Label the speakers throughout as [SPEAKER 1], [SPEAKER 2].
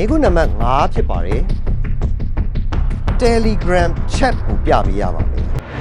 [SPEAKER 1] မိကုနံပါတ်5ဖြစ်ပါတယ် Telegram chat ကိုပြပေးရပါမယ်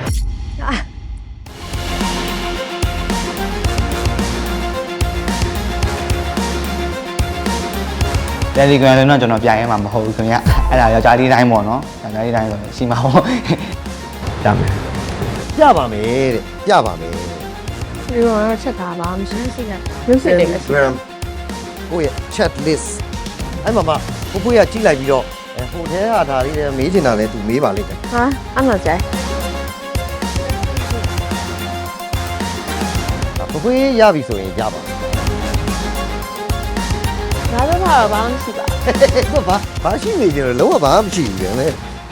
[SPEAKER 2] Telegram လည်းတော့ကျွန်တော်ပြရဲမှာမဟုတ်ဘူးခင်ဗျအဲ့ဒါယောက်ျားလေးတိုင်းပေါ့နော်ယောက်ျားလေးတိုင်းဆိုရှိမှာပေါ့ဒါမယ်
[SPEAKER 1] ပြပါမယ်တဲ့ပြပါမယ်
[SPEAKER 3] ဒီတော့ချက်တာပါမရှိရှိကရုပ်စစ်တွေကရှိ
[SPEAKER 1] Telegram ကိုရဲ့ chat list အဲ့မှာကိုကိုရကြည့်လိုက်ပြီးတော့ဟိုထဲဟာဒါလေးမေးချင်တာလဲသူမေးပါလိမ့်မယ်
[SPEAKER 3] ဟာအမှန်ကြိုက်
[SPEAKER 1] ကိုကိုရပြီဆိုရင်ရပါမယ်
[SPEAKER 3] ဒါတော့ဘာမှမရှိပါ
[SPEAKER 1] သူကဘာရှိနေကြလဲလုံးဝဘာမှမရှိဘူးလေ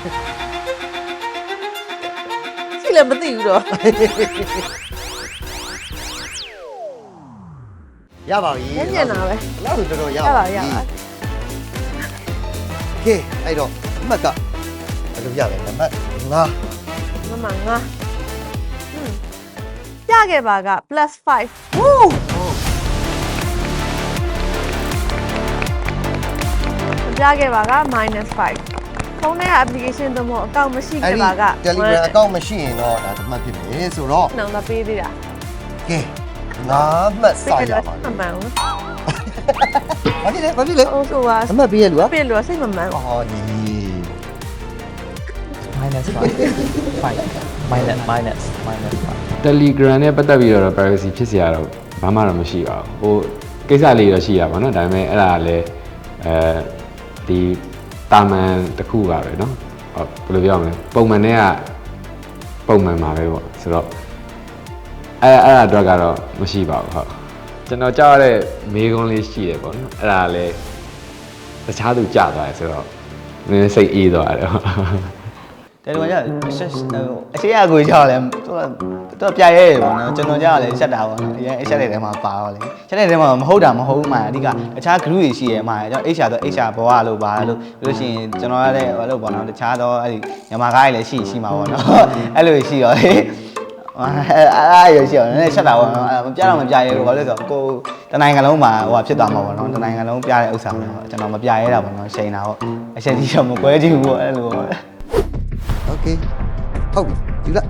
[SPEAKER 3] ရှိလည်းမသိဘူးတော့
[SPEAKER 1] ရပါပြီ
[SPEAKER 3] ညံ့ညံ့တာပဲ
[SPEAKER 1] လောက်ဆိုတော်ရ
[SPEAKER 3] ရ
[SPEAKER 1] ပါ
[SPEAKER 3] ပါ
[SPEAKER 1] ပြီ
[SPEAKER 3] ရပါ
[SPEAKER 1] ကဲအဲ့တော့အမှတ်ကဘယ်လိုရလဲနံပါတ်5
[SPEAKER 3] မမငါပြခဲ့ပါက +5
[SPEAKER 1] ဝူး
[SPEAKER 3] ပြခဲ့ပါက -5 ဖုန်းထဲက application တို့မဟုတ်အကောင့်မရှိခဲ့ပါက
[SPEAKER 1] Telegram အကောင့်မရှိရင်တော့ဒါတစ်မှတ်ဖြစ်မယ်ဆိုတော့
[SPEAKER 3] နောင်မပေးသေးတာ
[SPEAKER 1] ကဲ5မှတ်စရပါ
[SPEAKER 3] မမှန်ဘူး
[SPEAKER 1] ဘာဖြစ်လဲဘာဖြစ်လဲ
[SPEAKER 3] ဟုတ်ဆိုပါ
[SPEAKER 1] အမှတ်ပေးရလူက
[SPEAKER 3] ပြလို့စိတ်မမှန်ဘူး
[SPEAKER 1] ဟောဒီ
[SPEAKER 2] minus 5
[SPEAKER 4] Telegram နဲ့ပတ်သက်ပြီးတော့ privacy ဖြစ်စရာတော့ဘာမှတော့မရှိပါဘူးဟိုကိစ္စလေးတော့ရှိရပါတော့ဒါပေမဲ့အဲ့ဒါလည်းဒီတာမန်တစ်ခုပါပဲเนาะဘယ်လိုပြောမလဲပုံမှန်နဲ့ကပုံမှန်ပါပဲပေါ့ဆိုတော့အဲ့ဒါအတွက်ကတော့မရှိပါဘူးဟုတ်ကျွန်တော်ကြားရတဲ့မေးခွန်းလေးရှိတယ်ပေါ့နော်အဲ့ဒါလည်းတခြားသူကြားသွားတယ်ဆိုတော့နည်းနည်းစိတ်အေးသွားတယ်
[SPEAKER 2] တယ်လို့ကအရှိအကိုကြောက်လဲသူပြရဲတယ်ပေါ့နော်ကျွန်တော်ကြောက်လဲရှက်တာပေါ့နော်အရင်ရှက်တဲ့ထဲမှာပါတော့လေရှက်တဲ့ထဲမှာမဟုတ်တာမဟုတ်မှအဓိကတခြား group တွေရှိရဲမှာကျွန်တော် HR တော့ HR ဘောရလို့ပါလို့လို့ရှိရင်ကျွန်တော်ရတဲ့ဘာလို့ပေါ့နော်တခြားတော့အဲ့ဒီမြန်မာကားတွေလည်းရှိမှာပေါ့နော်အဲ့လိုရှိတော့လေအဲ့ရရှိတော့နည်းနည်းရှက်တာပေါ့နော်မပြတော့မပြရဲဘူးဘာလို့လဲဆိုတော့ကိုတနိုင်ငံလုံးမှာဟိုဖြစ်သွားမှာပေါ့နော်တနိုင်ငံလုံးပြတဲ့ဥစ္စာပေါ့ကျွန်တော်မပြရဲတာပေါ့နော်ရှိန်တာပေါ့အချက်ကြီးတော့မကွဲကြည့်ဘူးပေါ့အဲ့လိုပေါ့
[SPEAKER 1] Okay ဟုတ်ပြီယူလိုက်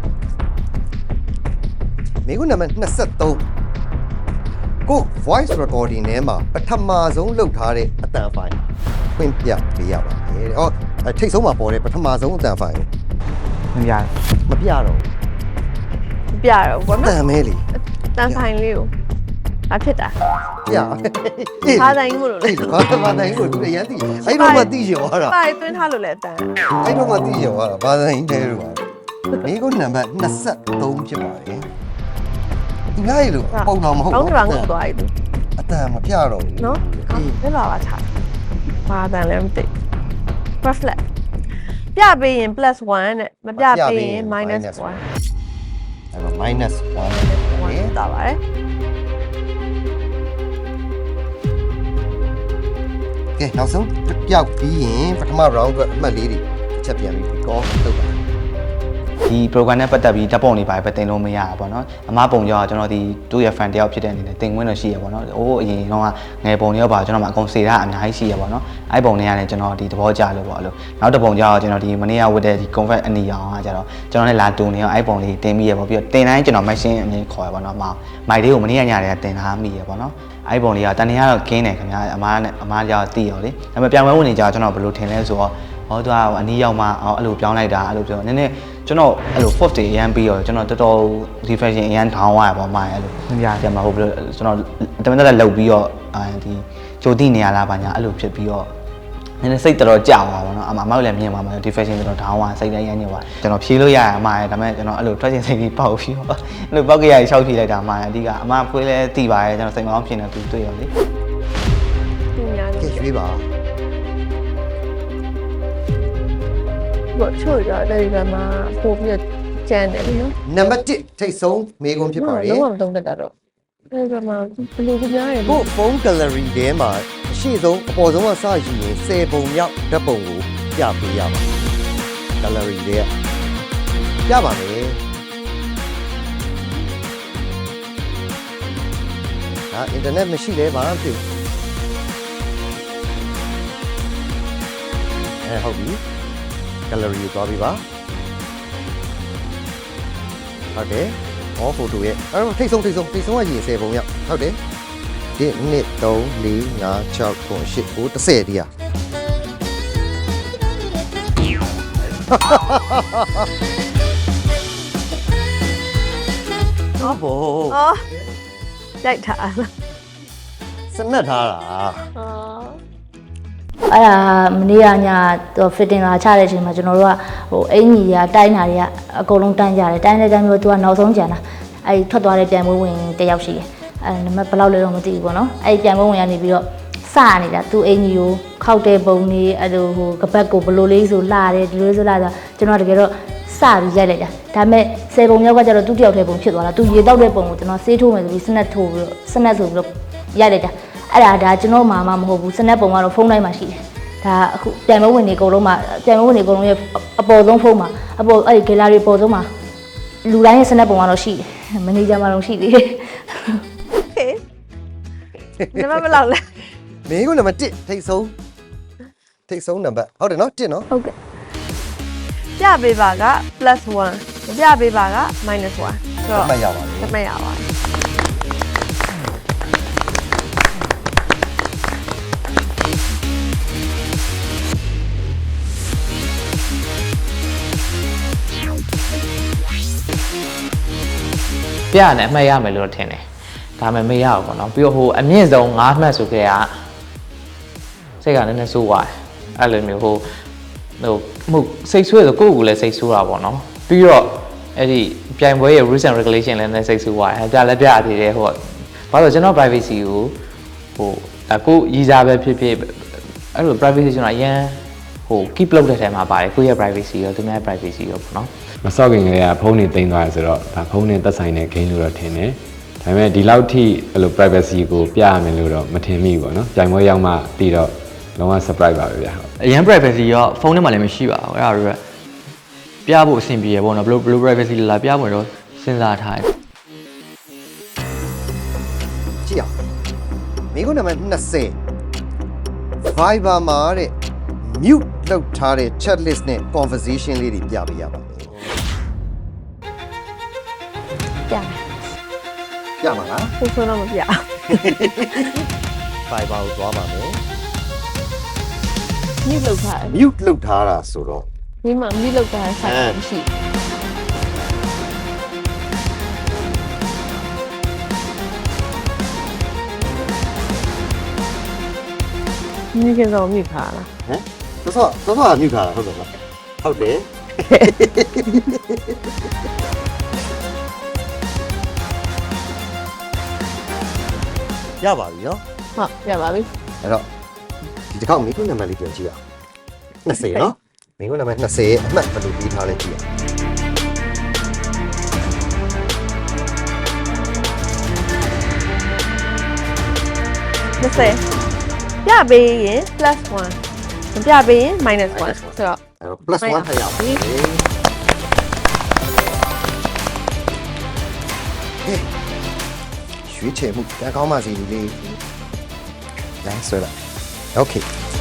[SPEAKER 1] မိကုနံပါတ်23ကို voice recording ထဲမှာပထမဆုံးလုပ်ထားတဲ့အတန်ဖိုင်ဖွင့်ပြပေးရပါမယ်တဲ့ဟောထိတ်ဆုံးမှာပေါ်တဲ့ပထမဆုံးအတန်ဖိုင်ကို
[SPEAKER 2] မပြ
[SPEAKER 1] မပြတော့
[SPEAKER 3] ပြတော့ဘော
[SPEAKER 1] တ
[SPEAKER 3] နော်
[SPEAKER 1] န်မဲလေ
[SPEAKER 3] တန်ဖိုင်လေးကိုဘာဖြစ်တာ
[SPEAKER 1] ပြ
[SPEAKER 3] ဘာတိုင်းမို့လို့လဲ
[SPEAKER 1] ဘာတိုင်းကိုသူအရန်သိအဲ့တော့မှသိရောတာ
[SPEAKER 3] ပါသွင်းထားလို့လဲတန်
[SPEAKER 1] အဲ့တော့မှသိရောတာဘာတိုင်းတဲလို့ပါမိကုနံပါတ်23ဖြစ်ပါတယ်ဒီငါ့ရေလို့ပုံတော်မဟုတ်
[SPEAKER 3] ကောင်း
[SPEAKER 1] ဘူး
[SPEAKER 3] တယ်ငုံသွားပြီသူ
[SPEAKER 1] အတန်မပြတော့ဘူး
[SPEAKER 3] နော်ဘယ်လာပါချာဘာတန်လဲမသိ reflect ပြပေးရင် +1 နဲ့မပြပေးရင် -1
[SPEAKER 1] အဲ့တော့ -1
[SPEAKER 3] 1တာပါတယ်
[SPEAKER 1] ကဲနောက်ဆုံးတစ်ပြောက်ပြီးရင်ပထမ round အတွက်အမှတ်လေးတွေတစ်ချက်ပြန်ပြီး call လုပ်ပါ
[SPEAKER 2] ဒီ program နဲ့ပတ်သက်ပြီးဓာတ်ပုံတွေပါပဲတင်လို့မရဘူးပေါ့နော်အမပုံကြောကျွန်တော်ဒီသူ့ရဲ့ fan တယောက်ဖြစ်တဲ့အနေနဲ့တင်ခွင့်တော့ရှိရပေါ့နော်အိုးအရင်တော့ငယ်ပုံတွေရောပါကျွန်တော်မှအကုန်စေတာအများကြီးရှိရပေါ့နော်အဲ့ပုံတွေကလည်းကျွန်တော်ဒီသဘောကျလို့ပေါ့အဲ့လိုနောက်တစ်ပုံကြောကျွန်တော်ဒီမနေ့ကဝတ်တဲ့ဒီ convert အနီရောင်ကကျတော့ကျွန်တော်လည်းလာတူနေအောင်အဲ့ပုံလေးတင်ပြီးရပေါ့ပြီးတော့တင်တိုင်းကျွန်တော် machine အမြင်ခေါ်ရပေါ့နော်မိုက်လေးကိုမနေ့ကညတည်းကတင်ထားမိရပေါ့နော်အဲ့ပုံလေးကတန်နေရတော့ကင်းတယ်ခင်ဗျာအမားကြောက်သိရောလေဒါပေမဲ့ပြန်ပွဲဝင်နေကြကျွန်တော်ဘယ်လိုထင်လဲဆိုတော့ဟောသူကအနီးရောက်မှအဲ့လိုပြောင်းလိုက်တာအဲ့လိုပြောနည်းနည်းကျွန်တော်အဲ့လို force တွေအရန်ပြီးတော့ကျွန်တော်တော်တော် reflection အရန်ထောင်းသွားရပါမှအဲ့လိုမပြတယ်မှာဟုတ်ပြီကျွန်တော်တမန်တက်လောက်ပြီးတော့ဒီကြိုတိနေရလားပါညာအဲ့လိုဖြစ်ပြီးတော့နည်းနည်းစိတ်တော်တော်ကြောက်သွားပါတော့အမလည်းမြင်ပါမှာ deflection တော်တော်ထောင်းသွားစိတ်လည်းရမ်းညစ်သွားကျွန်တော်ဖြေးလို့ရရအမရဒါပေမဲ့ကျွန်တော်အဲ့လိုထွက်ချင်စိတ်ကြီးပေါက်ပြီးတော့အဲ့လိုပေါက်ကရရှောက်ဖြေးလိုက်တာအမအဓိကအမဖွေးလဲတိပါရဲ့ကျွန်တော်စိတ်မကောင်းဖြစ်နေသူတွေ့ရောလေ
[SPEAKER 3] သူများ
[SPEAKER 1] ကဲ
[SPEAKER 3] လို့
[SPEAKER 1] ရွေးပါ
[SPEAKER 3] ဘောချို့တော့တယ်ကမှာပို့ပြီးကျန်တယ်နော်
[SPEAKER 1] နံပါတ်1ထိတ်ဆုံးမေးခွန်းဖြစ်ပါတယ်
[SPEAKER 3] လုံးဝမသုံးတတ်တာတော့တယ်ကမှာဘယ်လိုကြများရလဲ
[SPEAKER 1] ကို phone gallery ထဲမှာအရှိဆုံးအပေါ်ဆုံးကစယူရင်10ပုံမြောက်ဓာတ်ပုံကိုပြပေးရပါ gallery ထဲကပြပါမယ်ဟာ internet မရှိလဲဘာမှမဖြစ်ဘူးဟုတ်ပြီ gallery ကိုသွားပြီပါဟုတ်တယ် all photo ရဲ့အဲ့တော့ထိတ်ဆုံးကရင်10ပုံရဟုတ်တယ်1 2 3 4 5 6 9 10 10ဒီอ่ะဟုတ်ဘော
[SPEAKER 3] အော်ရိုက်ထားလား
[SPEAKER 1] စနက်ထားတာ
[SPEAKER 3] အော်
[SPEAKER 5] အဲ့ဒါမနေ့ကညသူ fitting လာချတဲ့အချိန်မှာကျွန်တော်တို့ကဟိုအင်ကြီးတွေကတိုင်းတာတွေကအကုန်လုံးတန်းကြတယ်တိုင်းတဲ့တိုင်းမျိုးသူကနောက်ဆုံးကြံတာအဲ့ဒီထွက်သွားတဲ့ပြန်ပွဲဝင်တစ်ယောက်ရှိတယ်အဲ့နံပါတ်ဘယ်လောက်လဲတော့မသိဘူးပေါ့နော်အဲ့ဒီပြန်ပွဲဝင်ကနေပြီးတော့စနေတာသူအင်ကြီးကိုခောက်တဲ့ပုံလေးအဲ့လိုဟိုကပတ်ကိုဘလိုလေးဆိုလာတယ်ဒီလိုဆိုလာဆိုကျွန်တော်တကယ်တော့စပြီးရိုက်လိုက်တာဒါပေမဲ့10ပုံမြောက်ကကျတော့သူတယောက်တည်းပုံဖြစ်သွားတာသူရေတောက်တဲ့ပုံကိုကျွန်တော်ဆေးထိုးမယ်ဆိုပြီးစနက်ထိုးပြီးတော့စနက်ဆိုပြီးတော့ရိုက်လိုက်တာအဲ့ဒါကျွန်တော်မှမဟုတ်ဘူးစနက်ပုံကတော့ဖုန်းတိုင်းမှာရှိတယ်ဒါအခုပြန်မဝင်နေအကုန်လုံးမှာပြန်မဝင်နေအကုန်လုံးရဲ့အပေါ်ဆုံးဖုန်းမှာအပေါ်အဲ့ဒီ gallery ပေါ်ဆုံးမှာလူတိုင်းရဲ့စနက်ပုံကတော့ရှိတယ်မန်နေဂျာမှာတော့ရှိသေးတယ်
[SPEAKER 3] ဟေးနံပါတ်ဘယ်လောက်လဲ
[SPEAKER 1] မင်းကနံပါတ်1ထိတ်ဆုံးနံပါတ်ဟုတ်တယ်နော်1နော်
[SPEAKER 3] ဟုတ်ကဲ့ပြပေးပါက +1 မပြပေးပါက -1 ဆိုတော့
[SPEAKER 1] မှတ်ရပါလေ
[SPEAKER 3] မှတ်ရပါတယ်
[SPEAKER 6] ပြရတယ်အမှတ်ရမယ်လို့ထင်တယ်ဒါပေမဲ့မရဘူးပေါ့နော်ပြီးတော့ဟိုအမြင့်ဆုံး9မှတ်ဆိုခဲ့ရစိတ်ကလည်းနည်းနည်းဆိုးသွားတယ်အဲ့လိုမျိုးဟိုစိတ်ဆိုးရဆိုကိုယ့်ကိုယ်လည်းစိတ်ဆိုးတာပေါ့နော်ပြီးတော့အဲ့ဒီပြိုင်ပွဲရဲ့ rules and regulation လည်းနည်းစိတ်ဆိုးသွားတယ်ပြလည်းပြရသေးတယ်ဟိုဘာလို့ကျွန်တော် privacy ကိုဟိုအခုရည်စားပဲဖြစ်ဖြစ်အဲ့လို privacy ကျွန်တော်အရင်ဟို keep လုပ်တဲ့ထဲမှာပါတယ်ကိုယ့်ရဲ့ privacy ရောသူများရဲ့ privacy ရောပေါ့နော်
[SPEAKER 4] မစော့ခင်ကလေးကဖုန်းနေသိမ်းသွားရဆိုတော့ဒါဖုန်းနဲ့သက်ဆိုင်တဲ့ game လို့တော့ထင်တယ်ဒါပေမဲ့ဒီလောက်ထိအဲ့လို privacy ကိုပြရမယ်လို့တော့မထင်မိဘူးပေါ့နော်ကြိုင်ပွဲရောက်မှပြီးတော့လုံးဝ surprise ပါပဲဗျာဟုတ်
[SPEAKER 7] အရင် privacy ရောဖုန်းထဲမှာလည်းမရှိပါဘူးအဲ့ဒါတွေပြဖို့အဆင်ပြေရပေါ့နော်ဘယ်လို privacy လာပြဖို့တော့စဉ်းစားထားတယ်
[SPEAKER 1] ကြည့်အောင်မင်းကနံပါတ်20 Viber မှာတဲ့ mute လုပ်ထားတဲ့ chat list နဲ့ conversation လေးတွေပြပေးရပါမယ်
[SPEAKER 3] ပြမယ်
[SPEAKER 1] ပြမှာလား
[SPEAKER 3] ကိုဆိုတော့မပြ
[SPEAKER 1] Viber ကိုသွားပါမယ်
[SPEAKER 3] မြစ်လောက်ထားတယ်
[SPEAKER 1] mute လုပ်ထားတာဆိုတော့
[SPEAKER 3] ဒီမှာမြစ်လောက်ထားတဲ့ site မရှိမြစ်ကတော့မြစ်ခါလား
[SPEAKER 1] ဟမ်သော mute ထားတာဟုတ်တယ်လားဟုတ်တယ်ရပါပြီနော်
[SPEAKER 3] ဟုတ်ပြပါပြီ
[SPEAKER 1] အဲ့တော့ဒီတစ်ခေါက်မင်းကနံပါတ်လေးပြန်ကြည့်အောင်20နော်မင်းကနံပါတ်20ရဲ့အမှတ်ဘယ်လိုပြီးထားလဲကြည့်အောင်
[SPEAKER 3] 20ပြပေးရင် +1 မပြပေးရင် -1 ဆိုတော့
[SPEAKER 1] အဲ့တော့ +1 ထည့်ရပါမယ်ရွှေချယ်မှုတန်းကောင်းပါစီလေးလမ်းဆွဲလိုက်โอเค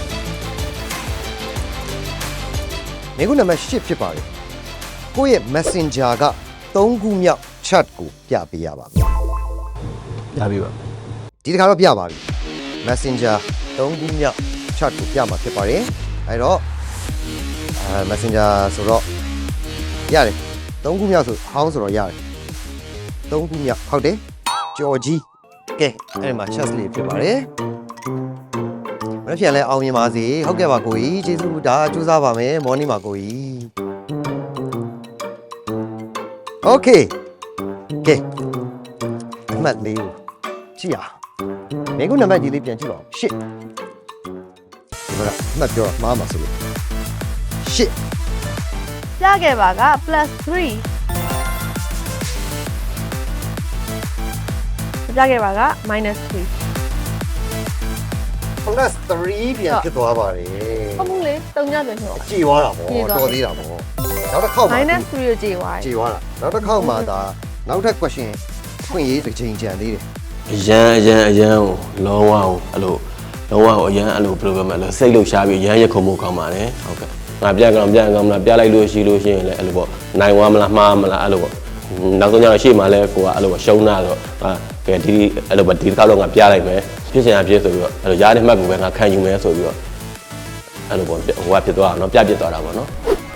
[SPEAKER 1] မင်းကနံပါတ်8ဖြစ်ပါတယ်ကိုယ့်ရဲ့ messenger က3ခုမြောက် chat ကိုပြပေးရပါမယ်
[SPEAKER 7] ရပြီပါ
[SPEAKER 1] ဒီတစ်ခါတော့ပြပါပြီ messenger 3ခုမြောက် chat ကိုပြမှာဖြစ်ပါတယ်အဲ့တော့messenger ဆိုတော့ရတယ်3ခုမြောက်ဆိုဟောင်းဆိုတော့ရတယ်3ခုမြောက်ဟုတ်တယ်ကြော်ကြီးကဲအဲ့ဒီမှာ chat လေးဖြစ်ပါတယ်မနေ့ပြန်လဲအောင်မြင်ပါစေဟုတ်ကဲ့ပါကိုကြီးကျေးဇူးဒါစူးစမ်းပါမယ်မော်နီမှာကိုကြီးโอเคကဲအမှတ်လေးကိုကြည့်ရမင်းကနံပါတ်ကြီးလေးပြန်ကြည့်ပါဦးရှစ်ဒီမှာအမှတ်ပြောမှားမှာဆိုလို့ရှစ်
[SPEAKER 3] ပြခဲ့ပါက +3 ပြခဲ့ပါက -3
[SPEAKER 1] plus 3ပြန်ဖြစ်သွားပါတယ်
[SPEAKER 3] ဟုတ်ဘူးလေ3ညပြန်ဖြစ်သွား
[SPEAKER 1] ကြည်သွားတာပေါ့တော်သေးတာပေါ့နောက်တစ်ခေါက်မှာ
[SPEAKER 3] -3 ကိုကြည့်သွားတယ်
[SPEAKER 1] ကြည်သွားတာနောက်တစ်ခေါက်မှာဒါနောက်ထပ် question ဖွင့်ရေးတစ်ချိန်ကြံသေးတယ်
[SPEAKER 8] အရန်ကိုလုံးဝအဲ့လိုလုံးဝဟိုအရန်အဲ့လိုဘယ်လိုပြောမလဲစိတ်လှုပ်ရှားပြီးအရန်ရခုံမှုကောင်းပါတယ်ဟုတ်ကဲ့ငါပြန်ကောင်းမလားပြလိုက်လို့ရှိလို့ရှိရင်လည်းအဲ့လိုပေါ့နိုင်ဝါမလားမှားမလားအဲ့လိုပေါ့နောက်ဆုံးကျတော့ရှေ့မှာလဲကိုကအဲ့လိုရှုံးတာတော့ကဲဒီအဲ့လိုပေါ့ဒီတစ်ခါတော့ငါပြလိုက်မယ်ဖြစ်စင်ရဖြစ်ဆိုပြီးတော့အဲ့လိုရားတဲ့မှတ်ကိုပဲငါခံယူမယ်ဆိုပြီးတော့အဲ့လိုပေါ့ဟိုကဖြစ်သွားတာเนาะပြပြသွားတာပေါ့เนาะ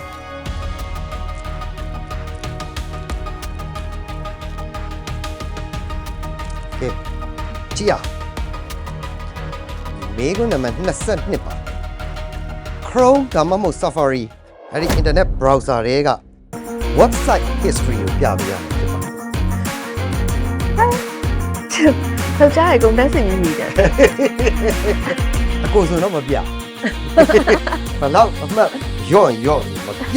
[SPEAKER 1] ကဲကြည့်ရမေကွန်းနံပါတ်22ပါ Chrome ဒါမှမဟုတ် Safari အဲ့ဒီ internet browser တွေက website history ကိုပြပေးရမှာဖြစ်ပါတယ်
[SPEAKER 3] ထောက်ကြရကုန်တက်စင်ကြီးကြီးတယ်
[SPEAKER 1] အကိုဆိုတော့မပြဘလောက်အမှတ်ရော့မပြ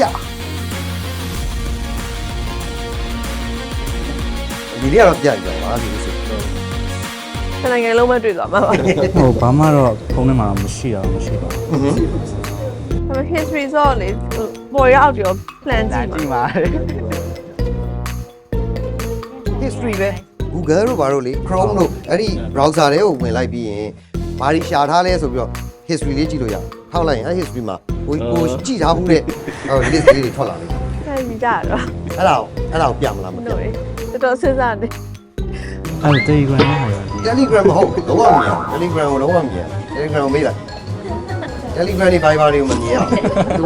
[SPEAKER 1] ဒီနေ့ကတော့ပြကြပါဒီလိုဆိုတော့
[SPEAKER 3] ခဏငယ်လုံးမတွေ့သွားမှာပါ
[SPEAKER 9] ဟိုဘာမှတော့ဖုန်းထဲမှာမရှိပါဘူး
[SPEAKER 3] ဒါပေမဲ့ history ဆိုလေပေါ်ရောက်ကြော plan ကြည့်
[SPEAKER 2] ကြည့်
[SPEAKER 3] မှာ
[SPEAKER 2] ပါ
[SPEAKER 1] history ပဲ Google တို့ဘာလို့လေ Chrome တို့အဲ့ဒီ browser တွေကိုဝင်လိုက်ပြီးရင်ဘာတွေရှာထားလဲဆိုပြီးတော့ history လေးကြည့်လို့ရထောက်လိုက်ရင်အဲ့ history မှာကိုကြည့်ထားဘူးတဲ့ဟို list လေးတွေထွက်လာလိမ့်မယ်
[SPEAKER 3] အဲ့ဒီကြတော့
[SPEAKER 1] အဲ့ဒါကိုပြမလားမပြ
[SPEAKER 3] တို့တော်တော်စဉ်းစားနေ
[SPEAKER 9] အဲ့ Telegram နဲ့ဟာရော
[SPEAKER 1] Telegram မဟုတ်လုံးဝမမြင် Telegram ကိုလုံးဝမမြင် Telegram ကိုမေးလိုက် Telegram တွေ Viber တွေကိုမမြင်အောင် तू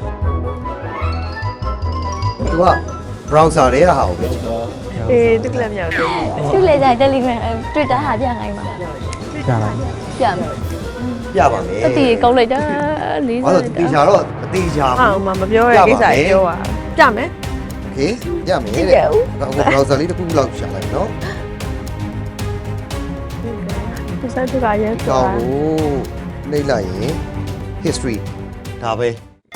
[SPEAKER 1] က browser တွေကဟာကိုပဲ
[SPEAKER 3] အေးတက်လက်မြောက်တယ်
[SPEAKER 5] ရှုလေကြ Telegram Twitter ဟာပြနိုင်မှာ
[SPEAKER 9] ပြလိုက်
[SPEAKER 5] ပြမယ်
[SPEAKER 1] ပြပါမယ်
[SPEAKER 5] အတီကောင်းလိုက်တာလေး
[SPEAKER 1] ဘာလို့တေချာတော့အတေချာ
[SPEAKER 3] ဟာမပြောရကိစ္စပြောတာကြမယ်
[SPEAKER 1] โอเคပြမယ်တဲ့အခု browser လေးတစ်ခုလောက်ရှာလိုက်နော်
[SPEAKER 3] ဒီစားတူကရဲဆို
[SPEAKER 1] ကော
[SPEAKER 3] တာ
[SPEAKER 1] င်းကိုနှိပ်လိုက်ရင် history ဒါပဲ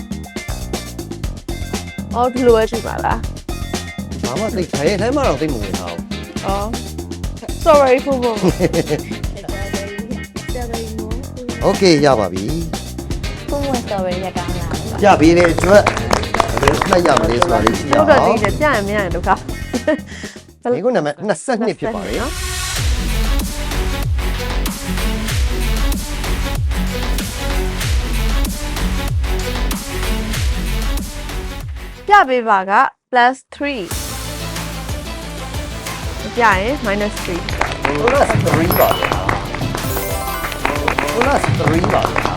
[SPEAKER 3] အော်ဒီလိုပဲရှိပါလား
[SPEAKER 1] ဘာမှသိခဲထဲမှာတော့သိမဝင်တာ
[SPEAKER 3] အော် sorry ဖို့ဖို့
[SPEAKER 1] โอเคရပါပြီ
[SPEAKER 5] ဖုန်းဝင် story ရကောင်းလား
[SPEAKER 1] ပြပေးတဲ့အတွက်ဘယ်မှတ်ရမလဲဆိုတာလေးကြည့်ရ
[SPEAKER 3] တို့
[SPEAKER 1] အောင်
[SPEAKER 3] တော့ဒီကြရမရဒုက္ခ
[SPEAKER 1] ဒီခုနံပါတ်22ဖြစ်ပါတယ်
[SPEAKER 3] ပြပေးပါက +3 ပြရင် -3
[SPEAKER 1] bonus 3ပါဗျာ bonus 3ပါဗျာ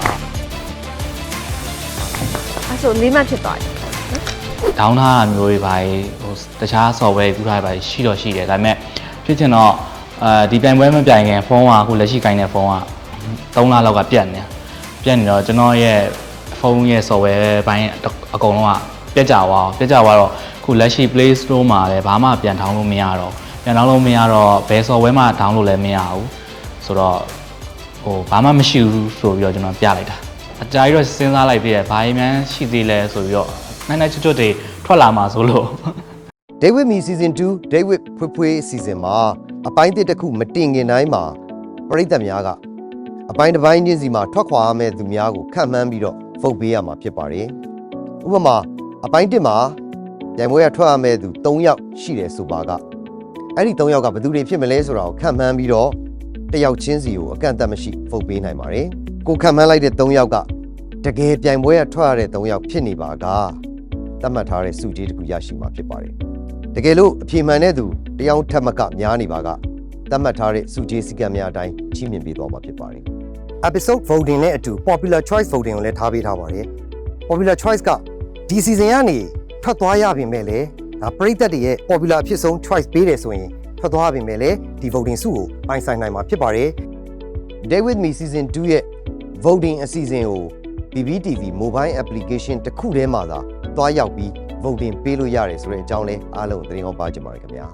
[SPEAKER 3] အဲ့ဆိုလေးမှဖြစ်သွားတယ်
[SPEAKER 2] ဒေါင်းထားတာမျိုးတွေပါဟိုတခြား software ကူထားတာပါရှိတော့ရှိတယ်ဒါပေမဲ့ဖြစ်ချင်တော့ဒီပြိုင်ပွဲမပြိုင်ခင်ဖုန်းကအခုလက်ရှိကိုင်းတဲ့ဖုန်းက3လလောက်ကပြတ်နေတော့ကျွန်တော်ရဲ့ဖုန်းရဲ့ software ဘိုင်းအကုန်လုံးကပြတ်ကြသွားတော့အခုလက်ရှိ Play Store မှာလည်းဘာမှပြန်ထောင်းလို့မရတော့ဘယ် software မှ download လည်းမရဘူးဆိုတော့ဟိုဘာမှမရှိဘူးဆိုပြီးတော့ကျွန်တော်ပြလိုက်တာအကြာကြီးတော့စဉ်းစားလိုက်ပြီးရဘာမှန်းရှိသေးလဲဆိုပြီးတော့နိုင်ချွတ်တွေထွက်လာမှာဆိုလို့
[SPEAKER 1] Day with me season 2 Day with ဖွေး season မှာအပိုင်းတစ်ခုမတင်ခင်တိုင်းမှာပရိသတ်များကအပိုင်းတစ်ပိုင်းချင်းစီမှာထွက်ခွာရမယ့်သူများကိုခံမှန်းပြီးတော့ဖုတ်ပေးရမှာဖြစ်ပါတယ်ဥပမာအပိုင်း1မှာပြိုင်ပွဲကထွက်ရမယ့်သူ3ယောက်ရှိတယ်ဆိုပါကအဲ့ဒီ3ယောက်ကဘယ်သူတွေဖြစ်မလဲဆိုတာကိုခံမှန်းပြီးတော့တစ်ယောက်ချင်းစီကိုအကန့်အသတ်မရှိဖုတ်ပေးနိုင်ပါတယ်ကိုခံမှန်းလိုက်တဲ့3ယောက်ကတကယ်ပြိုင်ပွဲကထွက်ရတဲ့3ယောက်ဖြစ်နေပါကသတ်မှတ်ထားတဲ့စုကြီးတစ်ခုရရှိမှာဖြစ်ပါတယ်တကယ်လို့အပြေမှန်တဲ့သူတယောက်ထက်မကများနေပါကသတ်မှတ်ထားတဲ့စုကြီးစည်းကမ်းများအတိုင်းချီးမြှင့်ပေးသွားမှာဖြစ်ပါတယ် episode voting နဲ့အတူ popular choice voting ကိုလည်းထားပေးထားပါတယ် popular choice ကဒီ season ကနေထွက်သွားရပြင်မဲ့လေဒါပရိသတ်တွေရဲ့ popular ဖြစ်ဆုံး choice ပေးတယ်ဆိုရင်ထွက်သွားပြင်မဲ့လေဒီ voting စုကိုပိုင်ဆိုင်နိုင်မှာဖြစ်ပါတယ် Day with me season 2ရဲ့ voting အစီအစဉ်ကို PPTV mobile application တစ်ခုထဲမှာသာတွားရောက်ပြီး voting ပေးလို့ရတယ်ဆိုတဲ့အကြောင်းလဲအားလုံးသတင်းကောင်းပါကြပါရခင်ဗျာ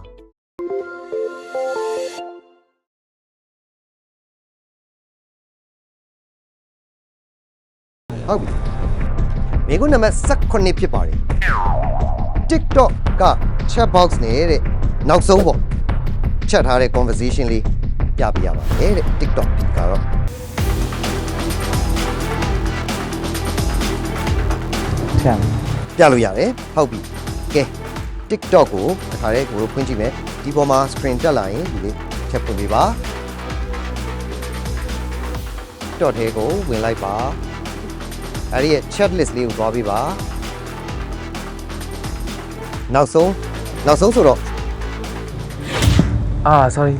[SPEAKER 1] ဟုတ်ပြီမိကုနံပါတ်18ဖြစ်ပါတယ် TikTok က chat box နဲ့တဲ့နောက်ဆုံးပေါ့ချက်ထားတဲ့ conversation လေးပြပြရပါမယ်တဲ့ TikTok ကတော့ပြလို့ရတယ်ဟုတ်ပြီကဲ TikTok ကိုတစ်ခါတည်းကိုတို့ဖွင့်ကြည့်မယ်ဒီပေါ်မှာ screen တက်လာရင်ဒီလေးချက်ဖွင့်ပေးပါ TikTok ထဲကိုဝင်လိုက်ပါအဲ့ဒီရဲ့ chat list လေးကိုသွားပေးပါနောက်ဆုံးဆိုတော့
[SPEAKER 6] sorry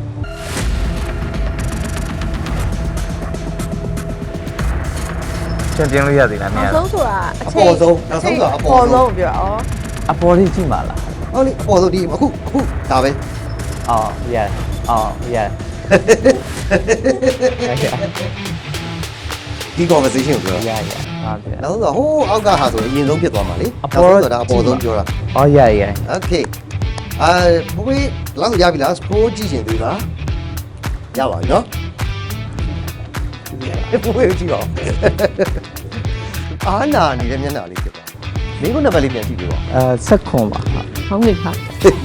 [SPEAKER 6] ပြန်ပြလို့ရသေးလားမရ
[SPEAKER 3] နောက်ဆုံးဆိုတာ
[SPEAKER 1] အပေါ်ဆုံးနောက်ဆုံးဆိုတာအပေါ်ဆုံး
[SPEAKER 3] ဆုံးပြောဩ
[SPEAKER 6] အပေါ်လေးကြည့်ပါလား
[SPEAKER 1] ဟုတ်လေအပေါ်ဆုံးဒီအခုဒါပဲ
[SPEAKER 6] yeah yeah
[SPEAKER 1] ဒီ conversation ကိုပြော
[SPEAKER 6] yeah ဟုတ်တယ်
[SPEAKER 1] နောက်ဆုံးဆိုဟိုးအောက်ကဟာဆိုအရင်ဆုံးဖြစ်သွားမှာလေ
[SPEAKER 6] အပေါ်
[SPEAKER 1] ဆိုတာအပေါ်ဆုံးပြောတာ
[SPEAKER 6] yeah
[SPEAKER 1] okay ဘဝေးလောက်ရပြီလား scroll ကြည့်ရှင်သေးလားရပါပြီနော်ဘဝေးကြည့်တော့အာနာနေတဲ့မျက်နှာလေးဖြစ်သွားမင်းကနံပါတ်လေးပြန်ကြည့်ပြပါ
[SPEAKER 6] ဆက်ခွန်ပါ
[SPEAKER 3] ဟောင်းနေပါ
[SPEAKER 1] ဘ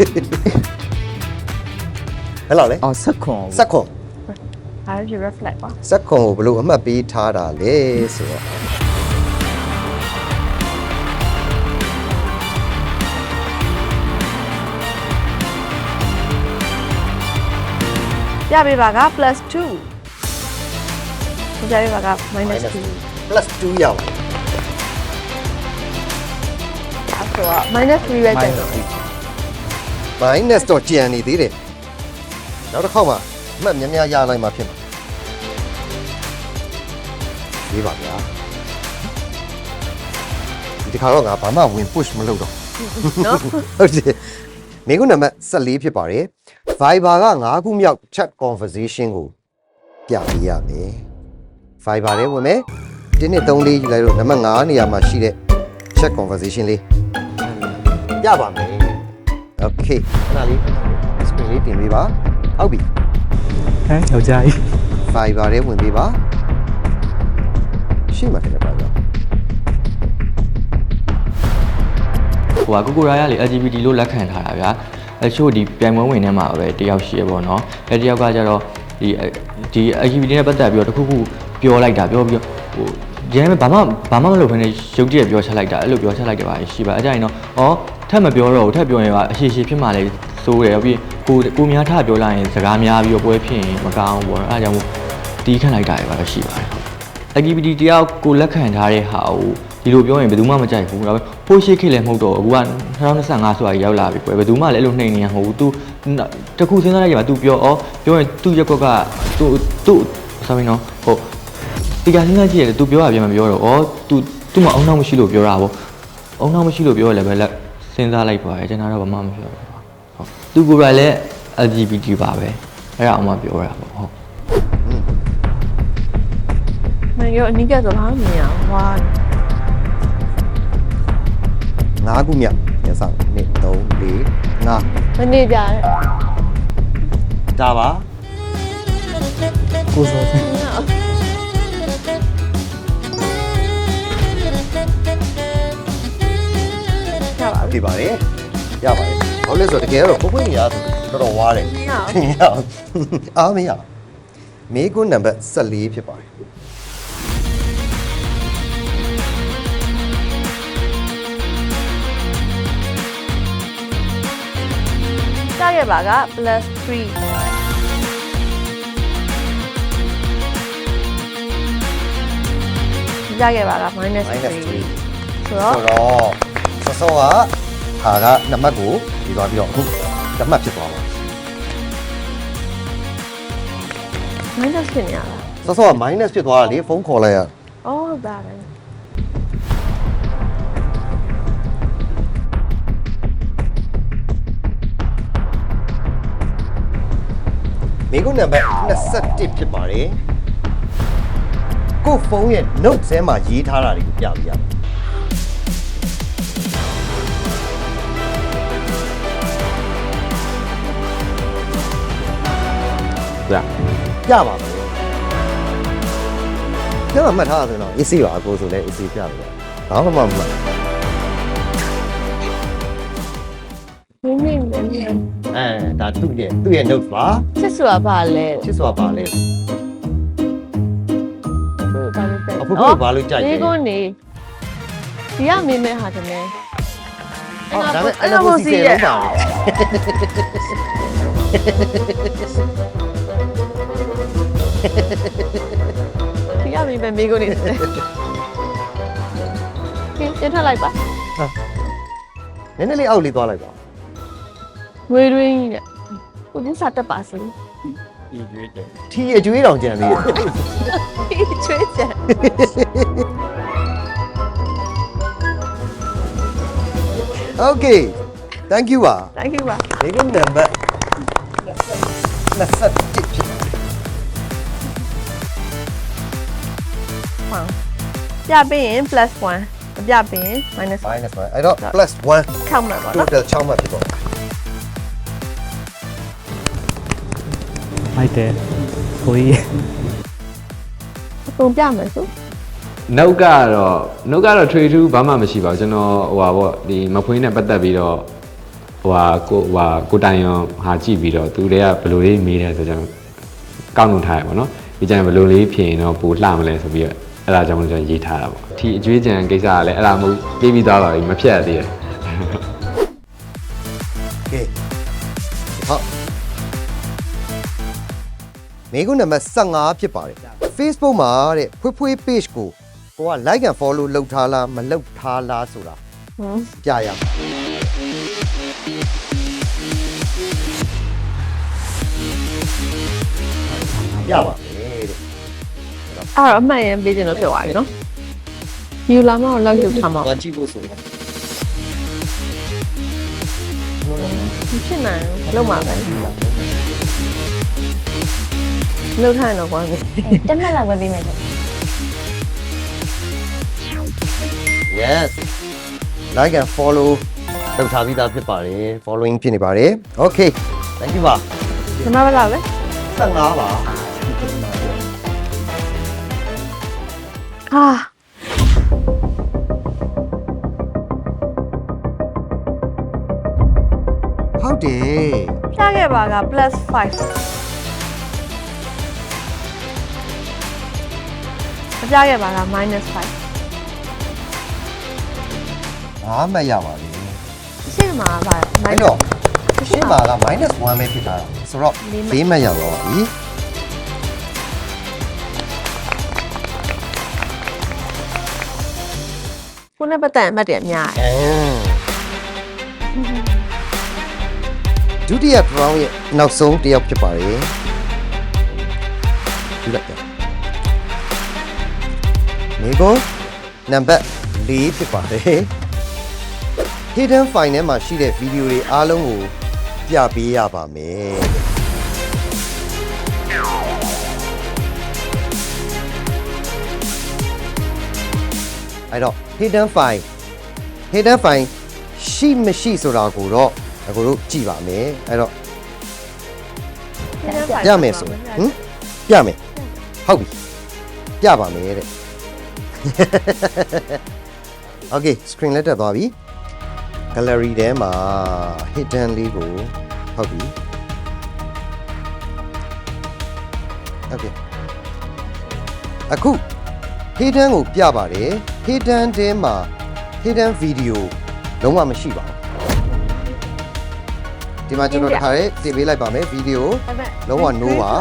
[SPEAKER 1] ယ်လောက်လဲ
[SPEAKER 6] ဆက်ခွန်
[SPEAKER 1] စက်ခွန်
[SPEAKER 3] အားရ reflect ပါ
[SPEAKER 1] စက်ခွန်ကိုဘယ်လိုအမှတ်ပေးထားတာလဲဆိုတော့
[SPEAKER 3] ပြပေးပါက +2 ပြပေးပါက -2
[SPEAKER 1] plus 2ရောက်
[SPEAKER 3] အဲ့ဆိုတော့ -3 ပဲကျန်တော့
[SPEAKER 1] minus တော့ကျန်နေသေးတယ်နောက်တစ်ခေါက်မှအမှတ်များများရလိုက်မှဖြစ်မှာဒီပါဗျာဒီတစ်ခါတော့ငါဘာမှဝင် push မလုပ်တော့
[SPEAKER 3] နော်
[SPEAKER 1] ဟုတ်တယ်မိကုနံပါတ်14ဖြစ်ပါတယ် Viber က9ခုမြောက် chat conversation ကိုပြပေးရမယ် Viber ထဲဝင်မယ်1 2 3 4ယူလိုက်လို့နံပါတ်9နေရာမှာရှိတဲ့ chat conversation လေးရပါမယ် Okay ခဏလေး screen လေးတင်ပေးပါဟုတ်ပြီ
[SPEAKER 9] ဟမ်ယောက်ျားကြီး
[SPEAKER 1] Viber ထဲဝင်ပေးပါရှေ့မှာတင်ပါတော့
[SPEAKER 7] ဟိုကကိုကိုရာရလေ LGBT လို့လက်ခံထားတာဗျာအချို့ဒီပြိုင်ပွဲဝင်ထဲမှာပဲတယောက်ရှိရပေါ့နော်အဲတယောက်ကကြတော့ဒီ LGBT နဲ့ပတ်သက်ပြီးတော့တခုခုပြောလိုက်တာပြောပြီးဟိုကျန်ဘာမှမလုပ်ဘဲနဲ့ရုပ်တရက်ပြောချလိုက်တာအဲ့လိုပြောချလိုက်တယ်ပါရှိပါအဲ့ကြရင်တော့ထပ်မပြောတော့ဘူးထပ်ပြောရင်ကအရှိရှိဖြစ်မှလည်းစိုးတယ်ပြီးကိုများထပြောလိုက်ရင်စကားများပြီးတော့ပွဲဖြစ်ရင်မကောင်းဘူးပေါ့နော်အဲ့ကြောင့်တီးခန့်လိုက်တာပဲပါရှိပါတယ် LGBT တယောက်ကိုလက်ခံထားတဲ့ဟာကိုဒီလိုပြောရင်ဘယ်သူမှမကြိုက်ဘူးဒါပေမဲ့ဖိုးရှိခေတ်လည်းမဟုတ်တော့အခုက2025ဆိုတာရောက်လာပြီကွယ်ဘယ်သူမှလည်းအဲ့လိုနှိမ်နေရမဟုတ်ဘူး तू တခုစဉ်းစားလိုက်ရမှာ तू ပြောရင်သူ့ရက်ကွက်က तू ဆိုရင်နော်ဟုတ်ဒီကစဉ်းစားကြည့်ရတယ် तू ပြောတာပြန်မပြောတော့ तू မအောင်နောက်မရှိလို့ပြောတာပေါ့အောင်နောက်မရှိလို့ပြောရလဲပဲလက်စဉ်းစားလိုက်ပါကျွန်တော်တော့ဘာမှမပြောဘူးဟုတ် तू ကိုယ်တိုင်လည်း LGBT ပါပဲအဲ့ဒါအောင်မပြောရပါဘူးဟုတ်
[SPEAKER 3] မင်းရောအနိကဆိုဘာမှမမြင်အောင်ဟွာ
[SPEAKER 1] 9ခုမြောက်ရစ1 2 3 4 5
[SPEAKER 3] မနေကြတဲ့
[SPEAKER 1] ဒါပါ
[SPEAKER 9] ကိုစောစင်
[SPEAKER 3] ရပါဘူး
[SPEAKER 1] ဖြစ်ပါတယ်ရပါတယ်ဘာလို့လဲဆိုတော့တကယ်တော့ကိုပွင့်ရဆိုတော်တော်ဝါတယ်
[SPEAKER 3] မရအောင်
[SPEAKER 1] အားမရမေကွန်းနံပါတ်14ဖြစ်ပါတယ်
[SPEAKER 3] ကြခဲ့ပါက +3 ကြခဲ့ပါက -3
[SPEAKER 1] minus 3
[SPEAKER 3] ဆိုတော့
[SPEAKER 1] ဆိုတော့စောကဟာကနံပါတ်ကိုဒီသွားပြီးတော့အခုနံပါတ်ဖြစ်သွားပါ
[SPEAKER 3] minus ဖြစ်နေရတာ
[SPEAKER 1] စောက minus ဖြစ်သွားတာလေဖုန်းခေါ်လိုက်ရ
[SPEAKER 3] အော်ဒါပဲ
[SPEAKER 1] မိကုနံပါတ်21ဖြစ်ပါတယ်ကိုဖုန်းရဲ့ note ထဲမှာရေးထားတာတွေကိုပြပြရမယ်ပြပါမယ်ကျမမှတ်ထားတာဆိုတော့ AC ပါအကိုဆိုလဲ AC ပြလို့ဘာမှမမှတ်
[SPEAKER 3] နင်းနေတယ်
[SPEAKER 1] ဒါသူ့ရဲ့ note ပါ
[SPEAKER 3] ချစ်ဆိုတာဘာလဲ
[SPEAKER 1] ချစ်စွာပါလဲ
[SPEAKER 3] ဘာလို့ပဲ
[SPEAKER 1] အခုဘာလို့ကြိုက်လဲ
[SPEAKER 3] ဒီကုန်းနေဒီကမင်းမဲဟာတမဲ
[SPEAKER 1] အော်ဒါပေမဲ့အဲ့လိုစီစဉ်လုံးပါ
[SPEAKER 3] မိပဲမိကုန်နေတယ်ကဲပြထလိုက်ပါ
[SPEAKER 1] နည်းနည်းလေးအောက်လေးသွားလိုက်ပါ
[SPEAKER 3] ငွေရင်းကြီးတဲ့ကိုဒီစားတက်ပါစလို့
[SPEAKER 1] ထီအကျွေးတောင်ကြံသေးတယ်
[SPEAKER 3] ချွေးချင်
[SPEAKER 1] Okay thank you ပါ
[SPEAKER 3] thank you ပါ
[SPEAKER 1] ဒီကုန်းနံပါတ်27ဖြစ်
[SPEAKER 3] ပြပေးရင် +1 မပြပေးရင် -1
[SPEAKER 1] minus 1အဲ့တော့ +1
[SPEAKER 3] ခေါက်မှာပါနော်
[SPEAKER 1] total 6မှတ်ဖြစ်ပါ
[SPEAKER 9] မိုက်တယ်ကိုကြီး
[SPEAKER 3] အကုန်ပြမယ်ဆို
[SPEAKER 4] နှုတ်ကတော့ထွေထူးဘာမှမရှိပါဘူးကျွန်တော်ဟိုပါပေါ့ဒီမဖွေးနဲ့ပတ်သက်ပြီးတော့ကိုတိုင်ရောဟာကြည့်ပြီးတော့သူတွေကဘယ်လိုလေးမေးတယ်ဆိုကျွန်တော်ကောက်နှုတ်ထားရပါတော့ဒီကျရင်ဘယ်လိုလေးဖြေရင်တော့ပိုလှမလဲဆိုပြီးတော့အဲ့ဒါကြောင့်ကျွန်တော်ရေးထားတာပေါ့ဒီအကျွေးကြံကိစ္စကလည်းအဲ့ဒါမဟုတ်ပြီးပြီးသွားပါပြီမဖြတ်ရသေးတယ်
[SPEAKER 1] Okay ဟုတ်မိကုန်းနံပါတ်15ဖြစ်ပါတယ် Facebook မှာတဲ့ဖွေး page ကိုက like and follow လုပ်ထားလားမလုပ်ထားလားဆိုတာပြရအောင်ရပါမယ်တဲ့
[SPEAKER 3] အဲ့တော့အမှတ်ရင်ပေးခြင်းလို့ပြောပါပြီနော်ယူလာမအောင်လောက်ယူထားမှာ
[SPEAKER 1] ကြည့်ဖို့ဆိုရင်
[SPEAKER 3] ဖြစ်နိုင်လုံးမှာပဲလုံးထိုင်တော့ကွာ
[SPEAKER 5] တက်မှတ်လောက်ပဲပြီးမယ်
[SPEAKER 1] Yes like and follow လုပ်ထားပြီးသားဖြစ်ပါတယ် following ဖြစ်နေပါတယ် Okay thank you ပါ
[SPEAKER 3] ဒီမှာပဲလားပဲ
[SPEAKER 1] 15ပါ
[SPEAKER 3] ဟာ
[SPEAKER 1] ဟုတ်တယ်
[SPEAKER 3] ပြခဲ့ပါက +5 မပြခဲ့ပါက -5
[SPEAKER 1] 5မှတ်ရပါပြီ
[SPEAKER 3] ရှင်းမှာပါ
[SPEAKER 1] အဲ့တော့ရှင်းပါက -1 ပဲဖြစ်တာဆိုတော့4မှတ်ရတော့ပါပြီ
[SPEAKER 3] ခုနကပတ်သက်အမှတ်တွေအများကြီး
[SPEAKER 1] ဒုတိယ round ရဲ့နောက်ဆုံးတစ်ယောက်ဖြစ်ပါတယ်ဒီလိုက်တယ်မိကုန်းနံပါတ်4ဖြစ်ပါတယ် hidden file ထဲမှာရှိတဲ့ဗီဒီယိုတွေအားလုံးကိုပြပေးရပါမယ်အဲ့တော့ hidden file ရှိမရှိဆိုတာကိုတော့အခုတို့ကြည့်ပါမယ်အဲ့တော့ပြမယ်ဆိုပြမယ်ဟုတ်ပြီပြပါမယ်တဲ့ Okay screen လက်တက်သွားပြီ gallery ထဲမှာ hidden လေးကိုဟုတ်ပြီ Okay အခု hidden ကိုပြပါတယ် hidden ထဲမှာ hidden video လုံးဝမရှိပါဘူးဒီမှာကျွန်တော်တစ်ခါလေးတင်ပေးလိုက်ပါမယ် video လုံးဝ no ပါ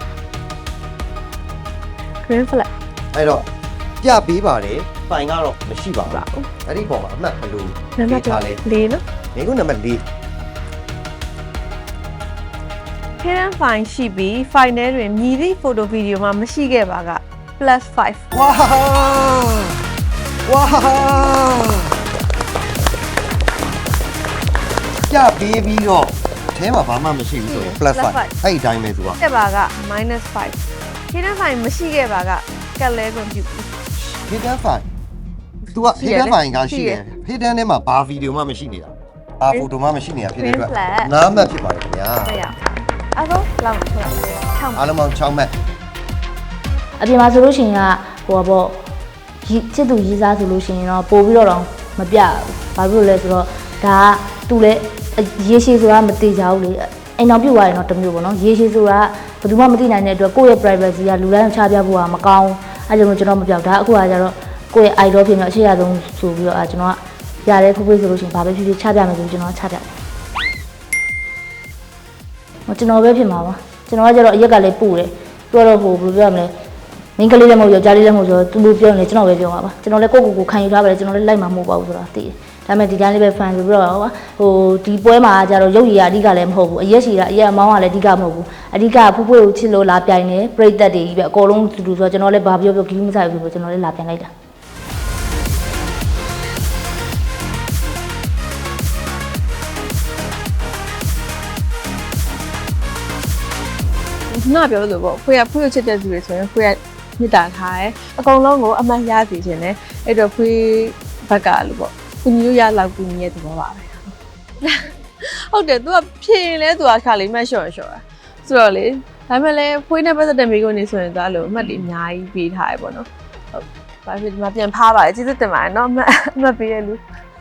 [SPEAKER 3] green flag
[SPEAKER 1] အဲ့တော့ပြပေးပါတယ်ဖိုင်ကတော့မရှိပါဘူးအဲ့ဒီပုံမှာအမှတ်ဘယ်လို
[SPEAKER 3] နံပါတ်
[SPEAKER 1] ထားလဲ
[SPEAKER 3] 4နော်
[SPEAKER 1] မိကုန်းနံပါတ်4
[SPEAKER 3] hidden file ရှိပြီး file ထဲတွင်မြည်သည့် photo video မှာမရှိခဲ့ပါက +5
[SPEAKER 1] ဝါပြပေးပြီးတော့အထဲမှာဘာမှမရှိဘူးဆိုရင် +5 အဲ့ဒီတိုင်းပဲသူက
[SPEAKER 3] ခဲ့ပါက -5 hidden file မရှိခဲ့ပါကကက်လဲခွင့်ပြု
[SPEAKER 1] hidden file သူက hidden file ကရှိတယ် hidden ထဲမှာဘာဗီဒီယိုမှမရှိနေတာဘာဖိုတိုမှမရှိနေတာဖြစ်တဲ့အတွက်နားမှတ်ဖြစ်ပါတယ်ခင်ဗျာ
[SPEAKER 3] ဟုတ်ရအဲ့တော့လောက်ဟုတ်လား6
[SPEAKER 1] အားလုံးပေါင်း6မှတ်
[SPEAKER 5] အပြင်မှာဆိုလို့ရှိရင်ကဟိုပေါ့ချစ်သူရေးစားဆိုလို့ရှိရင်တော့ပို့ပြီးတော့မပြဘူးဘာလို့လဲဆိုတော့ဒါကသူလည်းရေရှည်ဆိုတာမသိကြဘူးလေအိမ်တော်ပြုတ်သွားရင်တော့တစ်မျိုးပေါ့နော်ရေရှည်ဆိုတာဘယ်သူမှမသိနိုင်တဲ့အတွက်ကိုယ့်ရဲ့ privacy ကလူတိုင်းကိုချပြဖို့ကမကောင်းအဲကြောင့်ကျွန်တော်မပြောက်ဒါအခုကကျတော့ကိုယ့်ရဲ့ idol ဖြစ်နေအခြေရဆုံးဆိုပြီးတော့ကျွန်တော်ကရတဲ့ဖိုးဖိုးဆိုလို့ရှိရင်ဘာပဲဖြစ်ဖြစ်ချပြမယ်ဆိုကျွန်တော်ချပြတယ်ကျွန်တော်ပဲဖြစ်မှာပါကျွန်တော်ကကျတော့အရက်ကလေးပို့တယ်သူကတော့ဟိုဘယ်လိုပြောရမလဲမင်းကလေးလည်းမဟုတ်ယောက်ျားလေးလည်းမဟုတ်ဆိုတော့သူတို့ပြောနေကျွန်တော်ပဲပြောပါပါကျွန်တော်လည်းကိုယ့်ကိုယ်ခံယူထားပါလေကျွန်တော်လည်းလိုက်မှာမဟုတ်ပါဘူးဆိုတာသိတယ်ဒါပေမဲ့ဒီတိုင်းလေးပဲ fan ဆိုပြီးတော့ဟိုဒီပွဲမှာကျတော့ရုပ်ရည်အဓိကလည်းမဟုတ်ဘူးအရက်ရှိတာအရက်အမောင်းကလည်းအဓိကမဟုတ်ဘူးအဓိကဖူးဖွေးကိုချစ်လို့လာပြိုင်နေပြိသက်တွေကြီးပဲအကုန်လုံးတူတူဆိုတော့ကျွန်တော်လည်းဘာပြောပြောဂီးမဆိုင်ဘူးဆိုကျွန်တော်လည်းလာပြိုင်လိုက်တာ
[SPEAKER 3] ခုနပြောလို့ပေါ့ဖွေးချစ်တဲ့သူတွေဆိုရင်ဖွေးကမြစ်တာထားတယ်အကုန်လုံးကိုအမှတ်ရစီခြင်းနဲ့အဲ့တော့ဖွေးဘက်ကလို့ပေါ့ကုညီလို့ရလောက်ကုညီရဲ့သဘောပါပဲဟုတ်တယ် तू ကဖြေရင်လဲ तू ကခါလေးမှတ်လျှော့တာဆိုတော့လေဒါပေမဲ့လည်းဖွေးနဲ့ပတ်သက်တဲ့မိကုန်းနေဆိုရင် तू အဲ့လိုအမှတ်တွေအများကြီးပေးထားရပေါ့နော်ဟုတ်ဘာဖြစ်ဒီမှာပြန်ဖားပါလေကျေးဇူးတင်ပါတယ်နော်အမှတ်ပေးရလူ